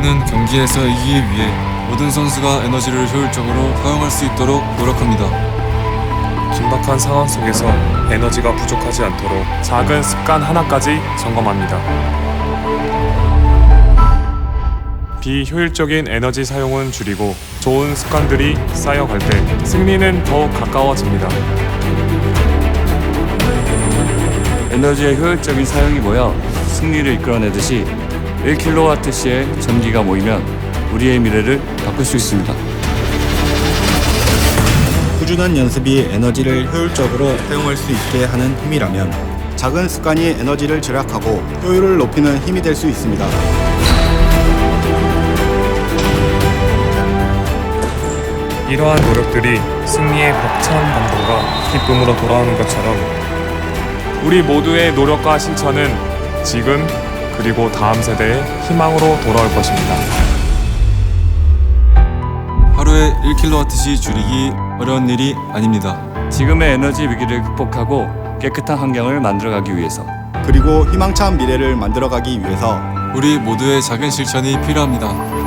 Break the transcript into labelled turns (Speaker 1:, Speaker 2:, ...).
Speaker 1: 우리는 경기에서 이기기 위해 모든 선수가 에너지를 효율적으로 사용할 수 있도록 노력합니다.
Speaker 2: 긴박한 상황 속에서 에너지가 부족하지 않도록 작은 습관 하나까지 점검합니다. 비효율적인 에너지 사용은 줄이고 좋은 습관들이 쌓여갈 때 승리는 더욱 가까워집니다.
Speaker 3: 에너지의 효율적인 사용이 모여 승리를 이끌어내듯이 1kWh의 전기가 모이면 우리의 미래를 바꿀 수 있습니다.
Speaker 4: 꾸준한 연습이 에너지를 효율적으로 사용할 수 있게 하는 힘이라면 작은 습관이 에너지를 절약하고 효율을 높이는 힘이 될 수 있습니다.
Speaker 2: 이러한 노력들이 승리의 벅찬 감동과 기쁨으로 돌아오는 것처럼 우리 모두의 노력과 실천은 지금 그리고 다음 세대의 희망으로 돌아올 것입니다.
Speaker 1: 하루에 1kWh 줄이기 어려운 일이 아닙니다.
Speaker 3: 지금의 에너지 위기를 극복하고 깨끗한 환경을 만들어가기 위해서
Speaker 4: 그리고 희망찬 미래를 만들어가기 위해서
Speaker 1: 우리 모두의 작은 실천이 필요합니다.